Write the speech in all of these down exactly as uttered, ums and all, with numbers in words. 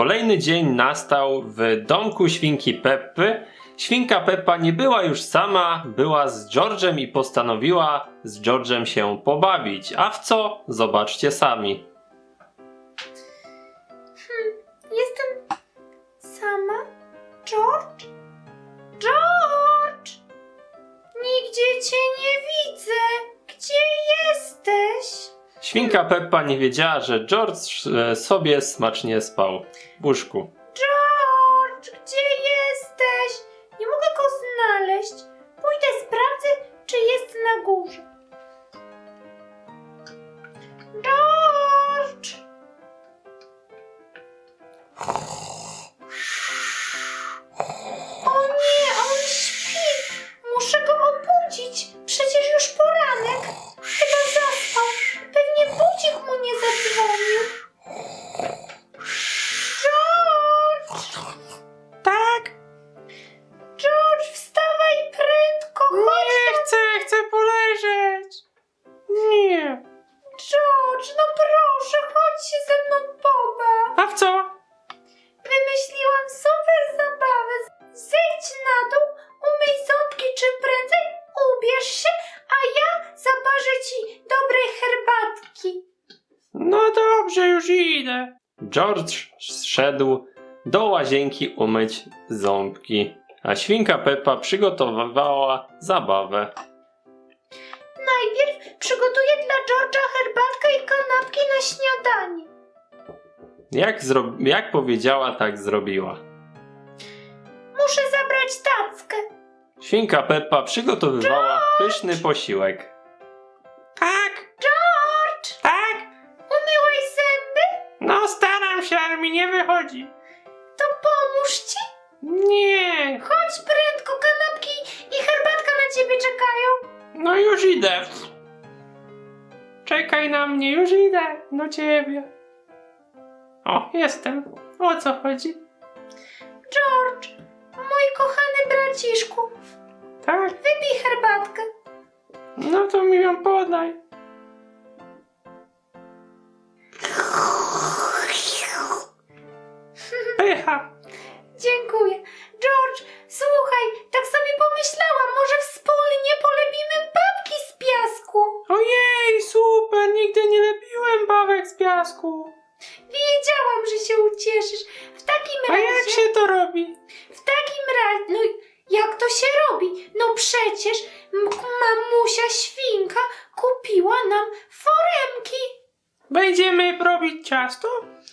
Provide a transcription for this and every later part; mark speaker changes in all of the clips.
Speaker 1: Kolejny dzień nastał w domku świnki Peppy. Świnka Peppa nie była już sama, była z George'em i postanowiła z George'em się pobawić. A w co? Zobaczcie sami.
Speaker 2: Hmm, jestem sama? George? George! Nigdzie cię nie widzę. Gdzie jesteś?
Speaker 1: Świnka Peppa nie wiedziała, że George e, sobie smacznie spał w łóżku.
Speaker 2: George, gdzie jesteś? Nie mogę go znaleźć. Pójdę sprawdzę, czy jest na górze. George! O nie, on śpi. Muszę go obudzić. Przecież już poranek. Chyba zaspał. Pewnie budzik mu nie zadzwonił. George!
Speaker 3: Tak?
Speaker 2: George, wstawaj prędko, chodź
Speaker 3: Nie
Speaker 2: tu.
Speaker 3: chcę, chcę poleżeć. Nie.
Speaker 2: George, no proszę, chodź się ze mną pobaw.
Speaker 3: A w co?
Speaker 2: Wymyśliłam super zabawę. Zejdź na dół, umyj ząbki czym prędzej, ubierz się, a ja zaparzę ci dobrej herbatki.
Speaker 3: No dobrze, już idę.
Speaker 1: George szedł do łazienki umyć ząbki, a świnka Peppa przygotowywała zabawę.
Speaker 2: Najpierw przygotuję dla George'a herbatkę i kanapki na śniadanie.
Speaker 1: Jak, zro- jak powiedziała, tak zrobiła.
Speaker 2: Muszę zabrać tackę.
Speaker 1: Świnka Peppa przygotowywała pyszny posiłek.
Speaker 3: Tak?
Speaker 2: George,
Speaker 3: Tak?
Speaker 2: umyłeś zęby?
Speaker 3: No staram się, ale mi nie wychodzi.
Speaker 2: To pomóż ci.
Speaker 3: Nie.
Speaker 2: Chodź prędko, kanapki i herbatka na ciebie czekają.
Speaker 3: No już idę. Czekaj na mnie, już idę do ciebie. O, jestem. O co chodzi?
Speaker 2: George, mój kochany braciszku,
Speaker 3: Tak?
Speaker 2: wypij herbatkę.
Speaker 3: No to mi ją podaj. Pycha.
Speaker 2: Dziękuję. George, słuchaj, tak sobie pomyślałam, może wspólnie polepimy babki z piasku.
Speaker 3: Ojej, super, nigdy nie lepiłem bawek z piasku.
Speaker 2: Wiedziałam, że się ucieszysz. W takim
Speaker 3: A
Speaker 2: razie...
Speaker 3: jak się to robi?
Speaker 2: W takim razie... No jak to się robi? No przecież m- mamusia świnka kupiła nam foremki.
Speaker 3: Będziemy robić ciasto?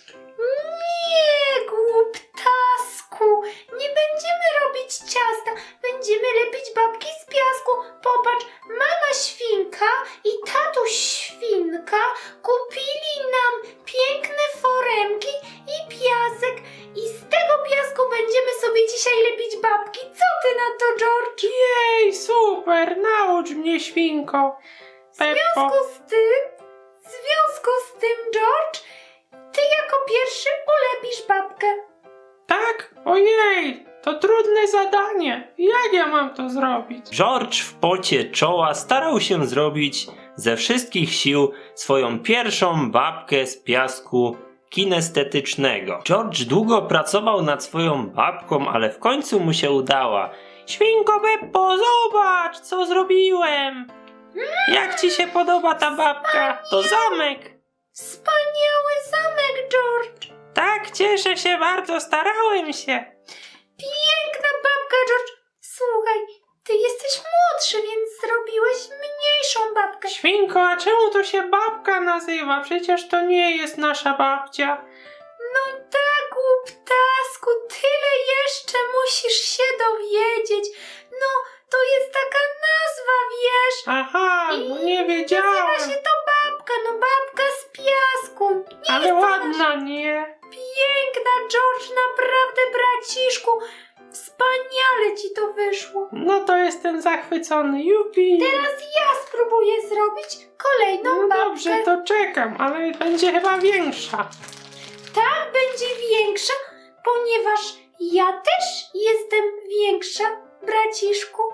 Speaker 2: Nie, głuptasku, nie będziemy robić ciasta, będziemy lepić babki z piasku. Popatrz, mama świnka i tatuś świnka kupili nam piękne foremki i piasek i z tego piasku będziemy sobie dzisiaj lepić babki. Co ty na to, George?
Speaker 3: Jej, super, naucz mnie, świnko.
Speaker 2: W
Speaker 3: Peppo.
Speaker 2: związku z tym, w związku z tym, George, ty jako pierwszy ulepisz babkę.
Speaker 3: Tak? Ojej, to trudne zadanie. Jak ja mam to zrobić?
Speaker 1: George w pocie czoła starał się zrobić ze wszystkich sił swoją pierwszą babkę z piasku kinestetycznego. George długo pracował nad swoją babką, ale w końcu mu się udała.
Speaker 3: Świnko Peppo, zobacz, co zrobiłem. Jak ci się podoba ta babka? To zamek.
Speaker 2: Wspaniały zamek, George.
Speaker 3: Tak, cieszę się bardzo, starałem się.
Speaker 2: Piękna babka, George. Słuchaj, ty jesteś młodszy, więc zrobiłeś mniejszą babkę.
Speaker 3: Świnko, a czemu to się babka nazywa? Przecież to nie jest nasza babcia.
Speaker 2: No tak, głuptasku, tyle jeszcze musisz się dowiedzieć. No, to jest taka nazwa, wiesz.
Speaker 3: Aha, no nie
Speaker 2: Nazywa
Speaker 3: wiedziałem.
Speaker 2: się to babka, no babka z piasku. Nie
Speaker 3: Ale
Speaker 2: jest to
Speaker 3: ładna, nie?
Speaker 2: Piękna, George, naprawdę, braciszku. Wspaniale ci to wyszło.
Speaker 3: No to jestem zachwycony, jupi.
Speaker 2: Teraz ja spróbuję zrobić kolejną
Speaker 3: No
Speaker 2: babkę.
Speaker 3: dobrze, to czekam, ale będzie chyba większa.
Speaker 2: Tak, będzie większa, ponieważ ja też jestem większa, braciszku.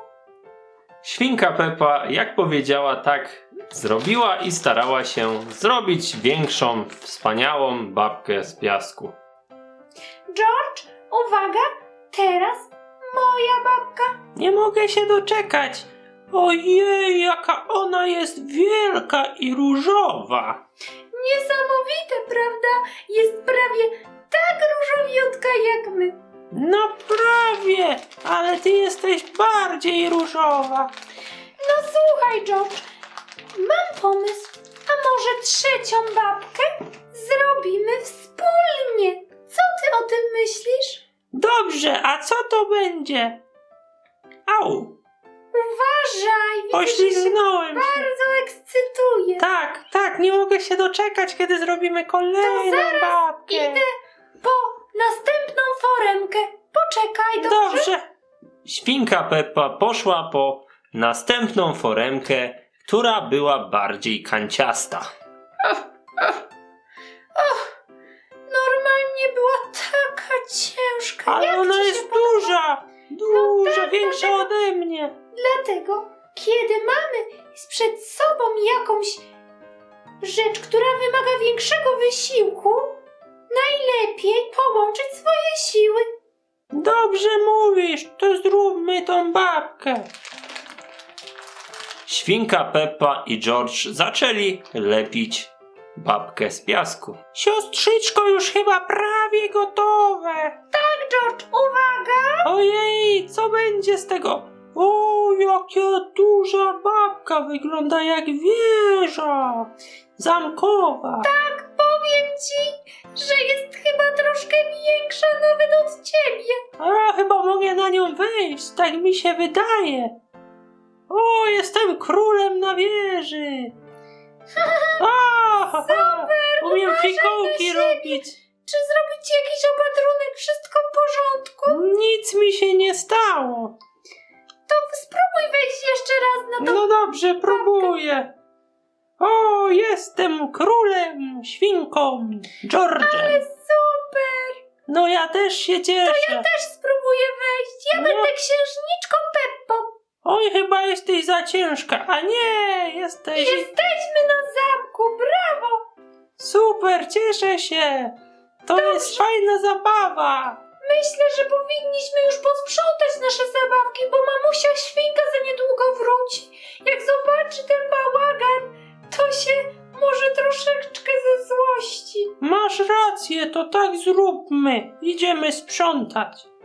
Speaker 1: Świnka Peppa, jak powiedziała, tak zrobiła i starała się zrobić większą, wspaniałą babkę z piasku.
Speaker 2: George, uwaga, teraz moja babka.
Speaker 3: Nie mogę się doczekać. Ojej, jaka ona jest wielka i różowa.
Speaker 2: Niesamowite, prawda? Jest prawie tak różowiutka jak my.
Speaker 3: No prawie, ale ty jesteś bardziej różowa.
Speaker 2: No słuchaj, George, mam pomysł. A może trzecią babkę zrobimy wspólnie? Co ty o tym myślisz?
Speaker 3: Dobrze, a co to będzie? Au,
Speaker 2: Uważaj, widzę, że się
Speaker 3: poślizgnąłem się.
Speaker 2: bardzo ekscytuje.
Speaker 3: Tak, tak, nie mogę się doczekać, kiedy zrobimy kolejną babkę.
Speaker 2: Idę po następną foremkę. Poczekaj, dobrze?
Speaker 3: Dobrze.
Speaker 1: Świnka Peppa poszła po następną foremkę, która była bardziej kanciasta.
Speaker 2: Och, normalnie była taka ciężka.
Speaker 3: Ale
Speaker 2: Jak
Speaker 3: ona
Speaker 2: ci się
Speaker 3: jest
Speaker 2: podoba?
Speaker 3: duża, duża,
Speaker 2: tak,
Speaker 3: większa
Speaker 2: dlatego-
Speaker 3: ode mnie.
Speaker 2: Dlatego, kiedy mamy przed sobą jakąś rzecz, która wymaga większego wysiłku, najlepiej połączyć swoje siły.
Speaker 3: Dobrze mówisz, to zróbmy tą babkę.
Speaker 1: Świnka Peppa i George zaczęli lepić babkę z piasku.
Speaker 3: Siostrzyczko, już chyba prawie gotowe.
Speaker 2: George, uwaga!
Speaker 3: Ojej, co będzie z tego? O, jaka duża babka, wygląda jak wieża zamkowa.
Speaker 2: Powiem ci, że jest chyba troszkę większa nawet od ciebie.
Speaker 3: A, chyba mogę na nią wejść, tak mi się wydaje. O, jestem królem na wieży. O,
Speaker 2: Super,
Speaker 3: umiem
Speaker 2: uważaj na
Speaker 3: fikołki
Speaker 2: siebie.
Speaker 3: robić.
Speaker 2: Czy zrobić ci jakiś opatrunek? Wszystko w porządku?
Speaker 3: Nic mi się nie stało.
Speaker 2: To spróbuj wejść jeszcze raz na to.
Speaker 3: No dobrze, próbuję. O, jestem królem, świnką, George'em.
Speaker 2: Super!
Speaker 3: No ja też się cieszę.
Speaker 2: Też spróbuję wejść. Ja
Speaker 3: No.
Speaker 2: będę księżniczką Peppą.
Speaker 3: Oj, chyba jesteś za ciężka. A nie, jesteś...
Speaker 2: Jesteśmy na zamku, brawo!
Speaker 3: Super, cieszę się. To jest fajna zabawa.
Speaker 2: Myślę, że powinniśmy już posprzątać nasze zabawki, bo mamusia świnka za niedługo wróci. Jak zobaczy ten bałagan, to się może troszeczkę ze złości.
Speaker 3: Masz rację, to tak zróbmy. Idziemy sprzątać.